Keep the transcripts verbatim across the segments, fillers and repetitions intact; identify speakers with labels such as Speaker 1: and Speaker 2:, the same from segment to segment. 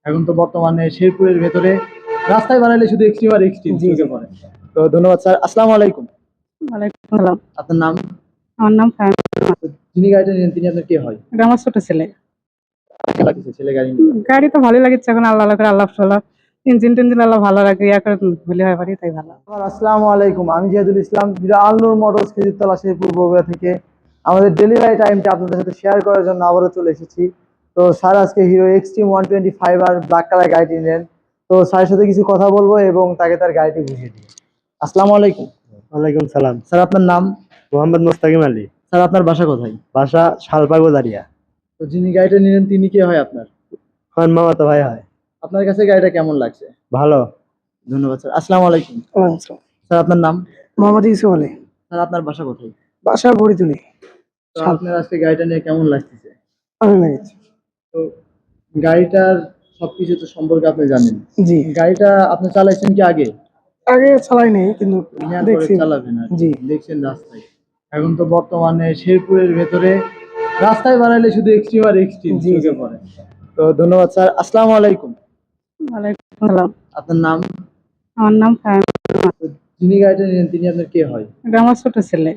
Speaker 1: এখন তো বর্তমানে শেরপুরের ভেতরে রাস্তায় বানাইলে শুধু এক্সট্রিম আর এক্সট্রিম
Speaker 2: জি জি
Speaker 1: চোখে পড়ে। তো ধন্যবাদ স্যার, আসসালামু আলাইকুম।
Speaker 2: ওয়ালাইকুম আসসালাম।
Speaker 1: আপনার নাম?
Speaker 2: আমার নাম ফাহিম।
Speaker 1: তো যিনি গাড়িটা নেন তিনি আপনার কে হয়?
Speaker 2: এটা আমার ছোট ছেলে।
Speaker 1: কেমন লাগছে ছেলে গাড়ি নিয়ে?
Speaker 2: গাড়ি তো ভালোই লাগছে, এখন আল্লাহ আল্লাহ করে আল্লাহ সাল্লাহ ইঞ্জিন টিঞ্জিন আল্লাহ ভালো রাখে, ইয়া করে ভুলে হয় পারি তাই ভালো।
Speaker 1: আমার আসসালামু আলাইকুম, আমি জিয়াদুল ইসলাম, যেটা আলনুর মোটরস খেজুরতলা শেরপুর বগুড়া থেকে আমাদের ডেলিভারি টাইমটা আপনাদের সাথে শেয়ার করার জন্য আবারও চলে এসেছি। তো স্যার আজকে Hero Xtreme one twenty five আর ব্ল্যাক কালার গাড়িটি নেন। তো স্যারের সাথে কিছু কথা বলবো এবং তাকে তার গাড়িটি বুঝিয়ে দিই। আসসালামু আলাইকুম।
Speaker 3: ওয়ালাইকুম সালাম।
Speaker 1: স্যার আপনার নাম?
Speaker 3: মোহাম্মদ মোস্তাকিম আলী।
Speaker 1: স্যার আপনার বাসা কোথায়?
Speaker 3: বাসা শালবাগো দাঁড়িয়া।
Speaker 1: তো যিনি গাড়িটা নিলেন তিনি কে হয় আপনার?
Speaker 3: খান মামা তো ভাই হয়।
Speaker 1: আপনার কাছে গাড়িটা কেমন লাগছে?
Speaker 3: ভালো।
Speaker 1: ধন্যবাদ স্যার, আসসালামু আলাইকুম। স্যার আপনার নাম?
Speaker 2: মোহাম্মদ ইউসুফ আলী।
Speaker 1: স্যার আপনার বাসা কোথায়?
Speaker 2: বাসা বড়িতুলি।
Speaker 1: তো আপনার আজকে গাড়িটা নিয়ে কেমন লাগতেছে?
Speaker 2: ভালো লাগছে।
Speaker 1: তো গাড়িটার সবকিছু তো সম্পর্কে আপনি জানেন।
Speaker 2: জি,
Speaker 1: গাড়িটা আপনি চালাইছেন কি আগে?
Speaker 2: আগে চালাই নাই কিন্তু
Speaker 1: নেওয়ার পরে
Speaker 2: দেখছি।
Speaker 1: চালাবেন আর কি।
Speaker 2: জি।
Speaker 1: দেখছেন রাস্তায় এখন তো বর্তমানে শেরপুরের ভেতরে রাস্তায় বানাইলে শুধু এক্সট্রিম আর এক্সট্রিম
Speaker 2: জি,
Speaker 1: চোখে
Speaker 2: জি।
Speaker 1: পড়ে। তো ধন্যবাদ স্যার, আসসালামু আলাইকুম।
Speaker 2: ওয়ালাইকুম আসসালাম।
Speaker 1: আপনার নাম?
Speaker 2: আমার নাম ফাহিম।
Speaker 1: তো যিনি গাড়িটা নিলেন তিনি আপনার কে হয়?
Speaker 2: এটা আমার ছোট ছেলে।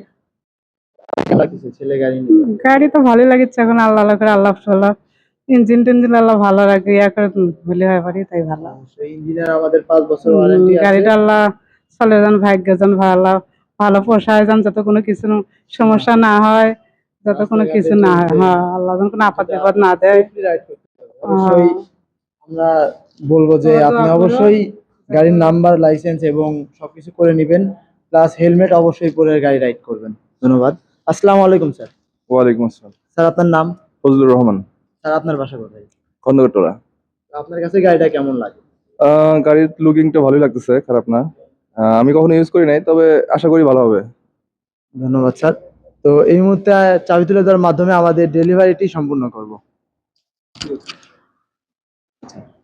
Speaker 1: কেমন লাগতেছে ছেলে গাড়ি নিয়ে?
Speaker 2: গাড়ি তো ভালোই লাগছে, এখন আল্লাহ আল্লাহ করে আল্লাহ সাল্লাহ ইঞ্জিন টিঞ্জিন আল্লাহ ভালো রাখে, ইয়া করে ভুলে হয় পারি তাই ভালো।
Speaker 1: অবশ্যই ইঞ্জিনিয়ার আমাদের পাঁচ বছর ওয়ারেন্টি আছে।
Speaker 2: গাড়িটা আল্লাহ চলে যান, ভাগ্য যান ভালো, ভালো পোষায় যান, যত কোনো কিছু সমস্যা না হয়, যত কোনো কিছু না হয়। হ্যাঁ, আল্লাহ যেন কোনো আপদ বিপদ না দেয়।
Speaker 1: Safely ride করতে হবে। অবশ্যই আমরা বলবো যে
Speaker 2: হ্যাঁ, তো
Speaker 1: আপনি
Speaker 2: আপনারা-
Speaker 1: অবশ্যই গাড়ির নাম্বার, লাইসেন্স এবং সবকিছু করে নেবেন, প্লাস হেলমেট অবশ্যই পরে গাড়ি রাইড করবেন। ধন্যবাদ, আসসালামু আলাইকুম স্যার।
Speaker 4: ওয়ালাইকুম আসসালাম।
Speaker 1: স্যার আপনার নাম?
Speaker 4: ফজলুর রহমান,
Speaker 1: স্যার আপনার বাসা কোথায়?
Speaker 4: খন্দকারটোলা।
Speaker 1: আপনার কাছে গাড়িটা কেমন লাগে?
Speaker 4: আহ, গাড়ির লুকিংটা ভালোই লাগতেছে, খারাপ না। আহ, আমি কখনো ইউজ করি নাই, তবে আশা করি ভালো হবে।
Speaker 1: ধন্যবাদ স্যার। তো এই মুহূর্তে চাবি তুলে দেওয়ার মাধ্যমে আমাদের ডেলিভারিটি সম্পূর্ণ করব।